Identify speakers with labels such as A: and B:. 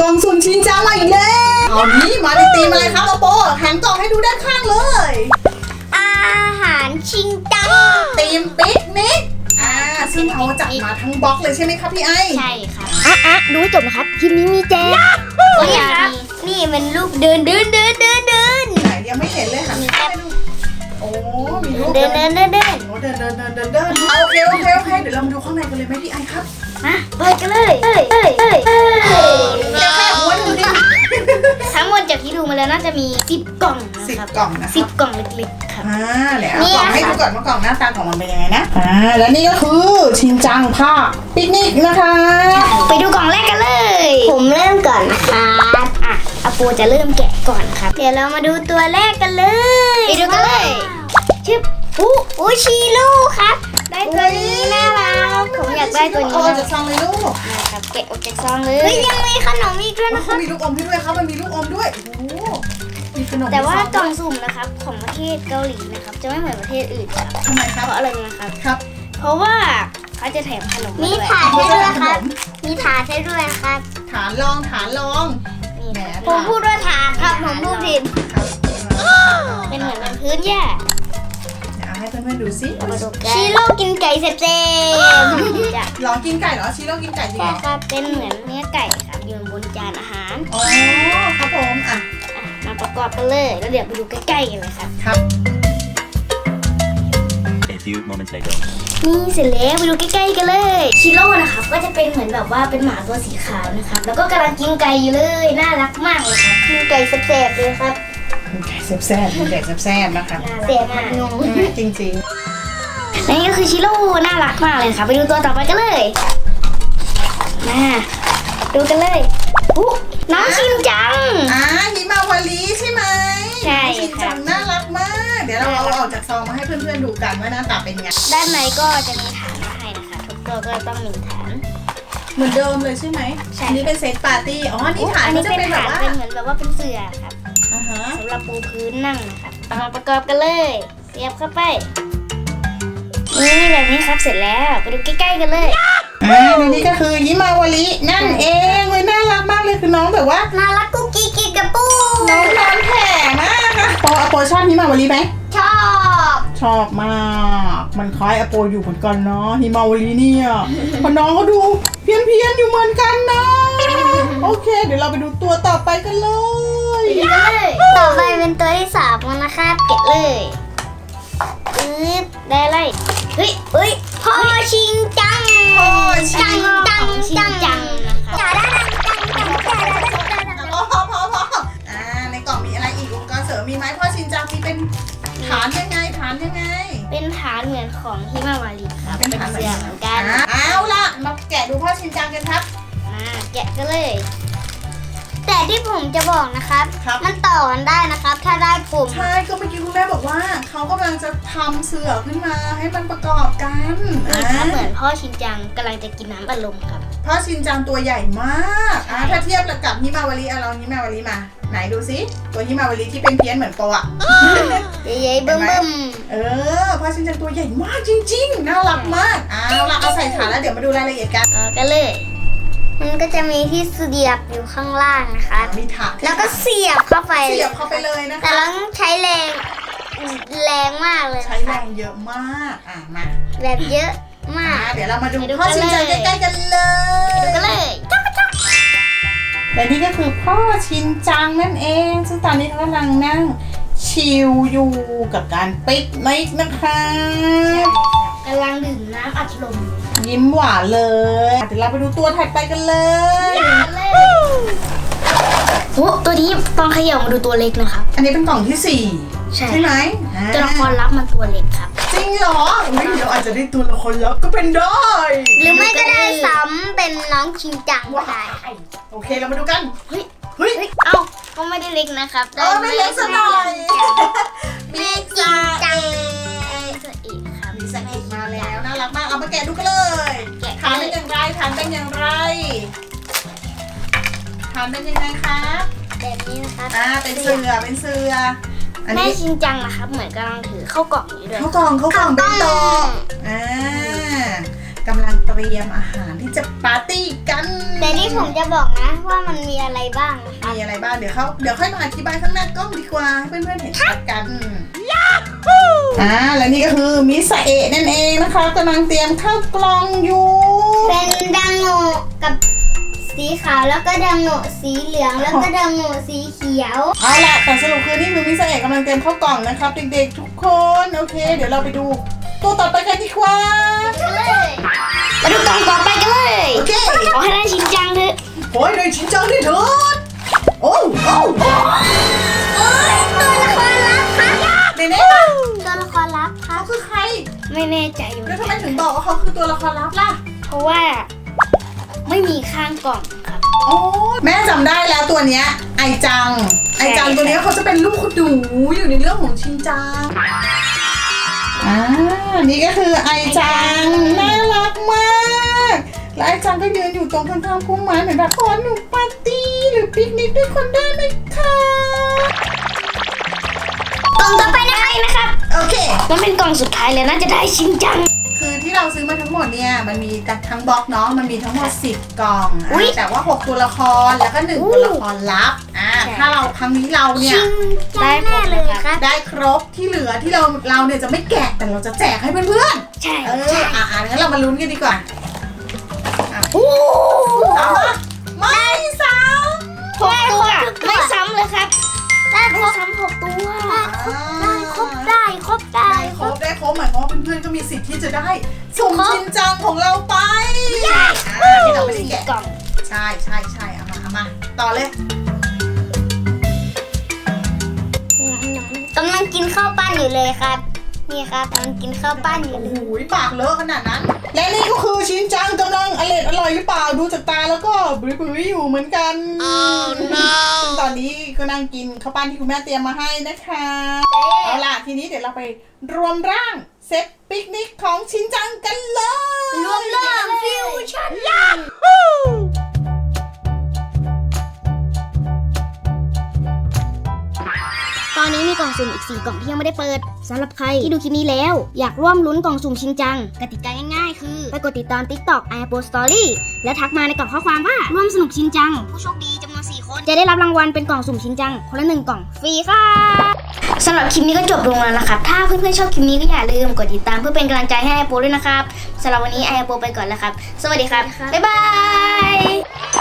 A: ล่องสุ่มชินจังมาอีกแล้วเอานี้มาในตีมอะไรครับโปหันกล่องให้ดูด้านข้างเลย
B: อาหารชินจัง
A: ตีมปิกนิกซึ่งเขาจัดมาทั้งบล็อกเลยใช่ไหมครับพี่ไอ
B: ใช่ครับดูให้จบนะครับคลิปนี้มีแจกนี่ครับนี่มันรูปเดิน
A: ไหนยังไม่เห็นเลยหันไปดูโอ้มีรูปเดินโอ้เดินโอเคเดี๋ยวเรามาดูข้างในกันเลยไหมพี่ไอครับ
B: มาเปิดกันเลย
A: จะแค่หัวดูดิ
B: ทั้งหมดจากที่ดูมาแล้วน่าจะมี10 กล่องนะครับ
A: 10 กล่องนะ
B: 10 กล่องเล็กๆครับ
A: เดี๋ยวเอากล่องให้ดูก่อนว่ากล่องหน้าตาของมันเป็นยังไงนะและนี่ก็คือชินจังภาคปิกนิกนะคะ
B: ไปดูกล่องแรกกันเลยผมเริ่มก่อนนะครับอาปูจะเริ่มแกะก่อนครับเดี๋ยวเรามาดูตัวแรกกันเลยไปดูกันเลยชื่ออู้ชีลูครับได้ตัวนี้น่ารักผมอยากได้ตัวนี้
A: จากซองเลยลูก
B: นะครับแกะออกจากซองเลยเฮ้ยยังมีขนมอีกด้วยนะครับ
A: มีลูกอมด้วยครับมันมีลูกอมด้วยโอ้มีขนม
B: แต่ว่ากล่องสุ่มนะครับของประเทศเกาหลีนะครับจะไม่เหมือนประเทศอื่นครับ
A: ทำไมครับ
B: เพราะอะไรนะครับ
A: ครับ
B: เพราะว่าเขาจะแถมขนมมีถาดให้ด้วยครับมีถาดให้ด้วยครับ
A: ฐานรอง
B: นี่นะผมพูดว่าถาดครับผมพูดผิดเป็นเหมือนเป็นพื้นหญ้า
A: ให้เพื่อนๆดูสิ
B: ชิโร่กินไก่เสร็จ
A: ลองกินไก่เหรอชิโร่กินไก่จริงเหรอ
B: ครับเป็นเหมือนเนื้อไก่ครับอยู่บนจานอาหาร
A: อ๋อครับผม
B: มาประกอบกันเลยแล้วเดี๋ยวไปดูใกล้ๆกันเลยครับ
A: ครับ
C: A few moments later
B: นี่เสร็จแล้วไปดูใกล้ๆกันเลยชิโร่นะครับก็จะเป็นเหมือนแบบว่าเป็นหมาตัวสีขาวนะครับแล้วก็กำลังกินไก่อยู่เลยน่ารักมากเลยครับกินไก่แซ่บๆเลยครับ
A: ไก่แซ่บนะคะ
B: แซ่บมาก
A: จริง
B: ๆนี่ก็คือชิโร่น่ารักมากเลยค่ะไปดูตัวต่อไปกันเลยมาดูกันเลยน้องชินจัง
A: ฮิมาวารีใช่ไหม
B: ใช่
A: ชินจังน่ารักมากเดี๋ยวเราเอาออกจากซองมาให้เพื่อนๆดูกันว่าหน้าตาเป็นไง
B: ด้านในก็จะมีฐานมาให้นะคะทุกตัวก็ต้องมีฐาน
A: เหมือนเดิมเลยใช่ไหมอันนี้เป็นเซตปาร์ตี้นี่ฐาน
B: นี้เป็นฐานเป็นเหมือนแบบว่าเป็นเสื่อครับสำหรับปูพื้นนั่งนะครับมาประกอบกันเลยเสียบเข้าไปนี่แบบนี้ครับเสร็จแล้วไปดูใกล้ๆกันเลย
A: นี่ก็คือฮิมาวารีนั่นเองเลยน่ารักมากเลยคือน้องแบบว่า
B: น่ารักกุ๊กกิ๊กกินกับปู
A: น้องนอนแผ่มากค่ะอโปชอบฮิมาวารีไหมชอบมากมันคล้ายอโปอยู่เหมือนกันเนาะฮิมาวารีเนี่ยพอน้องเขาดูเพี้ยนอยู่เหมือนกันนะโอเคเดี๋ยวเราไปดูตัวต่อไปกันเลย
B: ต่อไปเป็นตัวที่3แล้วนะครับเก็บเลยได้อะไรเฮ้ยพ่อชิงจังจังนะครับ
A: ในกล่องมีอะไรอีกอุปกรณ์เสริมมีไหมพ่อชินจังมีเป็นฐานยังไง
B: เป็นฐานเหมือนของฮิมาวารีครับเป็นเสื่อเหมือนกัน
A: เอาล่ะมาแกะดูพ่อชินจังกันครับ
B: แกะกันเลยแต่ที่ผมจะบอกนะครับมันต่อกันได้นะครับถ้าได้ปุ่ม
A: ใช่ก็เมื่อกี้คุณแม่บอกว่าเขากำลังจะทำเสื่อขึ้นมาให้มันประกอบกัน
B: เหมือนพ่อชินจังกำลังจะกินน้ำอัดลมครับ
A: พ่อชินจังตัวใหญ่มากถ้าเทียบกับฮิมาวารีเราฮิมาวารีมาไหนดูซิตัวฮิมาวารีที่เป็นเพี้ยนเหมือนโปะ
B: ใหญ่ๆบึ้ม
A: พ่อชินจังตัวใหญ่มากจริงๆน่ารักมากเอาใส่ฐานแล้วเดี๋ยวมาดูรายละเอียด
B: กันเลยมันก็จะมีที่เสียบอยู่ข้างล่างนะคะ
A: มีถาด
B: แล้วก็เสียบเข้าไป
A: เลยนะคะ
B: แต่ต้องใช้แรงมากเลย
A: ใช้แรงเยอะมากมา
B: แบบเยอะมาก
A: เดี๋ยวเรามาดูพ่อชินจังใกล้ๆกันเลย
B: ดูกันเลย
A: และนี่ก็คือพ่อชินจังนั่นเองซึ่งตอนนี้เขากำลังนั่งชิลอยู่กับการปิกนิกนะคะ
B: กำลังดื่มน้ำอัดลม
A: ยิ้มหวานเลยเดี๋ยวเราไปดูตัวถัดไปกันเลย
B: ตัวนี้ตอนเขย่ามาดูตัวเล็กนะครับ
A: อันนี้เป็นกล่องที่4ใช่ไหม
B: ตัวละครลับมันตัวเล็กครับ
A: จริงเหรอเดี๋ยวอาจจะได้ตัวละครลับก็เป็นได้
B: หรือไม่ก็ได้ซ้ำเป็นน้องชินจังก็ได้
A: โอเคเรามาดูกันเฮ้ย
B: ก็ไม่ได้เล็กนะครับ
A: ไม่เล็กซะหน่อย
B: มีชินจัง
A: มีสังเกตมาแล้วน่ารักมากเอามาแกะดูกันเลยฐานเป็นอย่างไรฐานเป็นยังไงครับ
B: แบบนี้นะครับ
A: เป็นเสือ
B: แม่ชินจังนะครับเหมือนกำลังถือเข้ากล่องอยู่ด้วย
A: เข้ากล่องเป็นโตกำลังเตรียมอาหารที่จะปาร์ตี้กัน
B: แต่นี่ผมจะบอกนะว่ามันมีอะไรบ้างนะคะ
A: มีอะไรบ้างเดี๋ยวค่อยมาอธิบายข้างหน้ากล้องดีกว่าให้เพื่อนๆเห็นชัดกันและนี่ก็คือมิซาเอะนั่นเองนะคะกำลังเตรียมข้าวกล่องอยู่
B: เป็นดังโงกับสีขาวแล้วก็ดังโงสีเหลืองแล้วก็ดังโงสีเขียว
A: เอาล่ะแต่สรุปคือนี่คือมิซาเอะกำลังเตรียมข้าวกล่องนะครับเด็กๆทุกคนโอเคเดี๋ยวเราไปดูตัวต่อไปกันดีกว่า
B: มาดูกล่องต่อไปกันเลย
A: โอเค
B: ขอให้ได้ชินจังเถอะ
A: โอ้ยเลยชินจังด้วยเถิดโอ้ตัวละครลับครับเน่ๆ
B: ตัวละครลับครั
A: เขา
B: บ
A: คือใคร
B: ไม่แน่ใจอยู่
A: แล้วทำไมถึงบอกว่าเขาคือตัวละครลับล่ะ
B: เพราะว่าไม่มีข้างกล่องครับ
A: โอ้แม่จำได้แล้วตัวเนี้ยไอจังตัวเนี้ยเขาจะเป็นลูกคุณหนูอยู่ในเรื่องของชินจังนี่ก็คือไอจังน่ารักมากและไอจังก็ยืนอยู่ตรงข้างๆพุ่มไม้เหมือนแบบขอหนูปาร์ตี้หรือปิกนิกด้วยคนได้ไหมคะ
B: กล่องต่อไปนะครับ
A: โอเค
B: มันเป็นกล่องสุดท้ายเลยน่าจะได้ชินจัง
A: คือที่เราซื้อมาทั้งหมดเนี่ยมันมีทั้งบล็อกเนาะมันมีทั้งหมด10 กล่อง
B: อุ๊ย
A: แต่ว่า6ตัวละครแล้วก็1ตัวละครลับถ้าเราครั้งนี้เราเนี่ย
B: ได้แน่เลยครับ
A: ได้ครบที่เหลือที่เราเนี่ยจะไม่แกะแต่เราจะแจกให้เพื่อน
B: ใช่
A: ๆงั้นเรามาลุ้นกันดีกว่า
B: โอ้
A: เอามาไม่ซ้
B: 6ตัวไม่ซ้ำเลยครับได้ครบซ้ำ6ตัว
A: ำ
B: ได้ครบได้ครบ
A: ได้ครบหมายความว่าเพื่อนๆก็มีสิทธิ์ที่จะได้สุ่มชินจังของเราไปที่เราไม่ได้แกะ
B: กล่อง
A: ใช่เอามาต่อเลย
B: กำลังกินข้าวปั้นอยู่เลยครับนี่ครับกำลังกินข้าวปั้นอยู่
A: โอ้
B: เล
A: โห
B: ย
A: ปากเลอะขนาดนั้น และนี่ก็คือชินจังกำลังอร่อยหรือเปล่าดูจากตาแล้วก็บริบริอยู่เหมือนกันซึ่งตอนนี้ก็นั่งกินข้าวปั้นที่คุณแม่เตรียมมาให้นะคะเอาล่ะทีนี้เดี๋ยวเราไปรวมร่างเซตปิกนิกของชินจังกันเลย
B: รวมเรื่องฟิวชั่นตอนนี้มีกล่องสุ่มอีก 4 กล่องที่ยังไม่ได้เปิดสำหรับใครที่ดูคลิปนี้แล้ว อยากร่วมลุ้นกล่องสุ่มชิงจังกติกาง่ายๆ คือไปกดติดตาม TikTok iApple Story แล้วทักมาในกล่องข้อความว่าร่วมสนุกชิงจังผู้โชคดีจำนวน 4 คนจะได้รับรางวัลเป็นกล่องสุ่มชิงจังคนละ1 กล่องฟรีค่ะสำหรับคลิปนี้ก็จบลงแล้วนะครับถ้าเพื่อนๆชอบคลิปนี้ก็อย่าลืมกดติดตามเพื่อเป็นกำลังใจให้ iApple ด้วยนะครับสำหรับวันนี้ iApple ไปก่อนแล้วครับสวัสดีครับบ๊ายบาย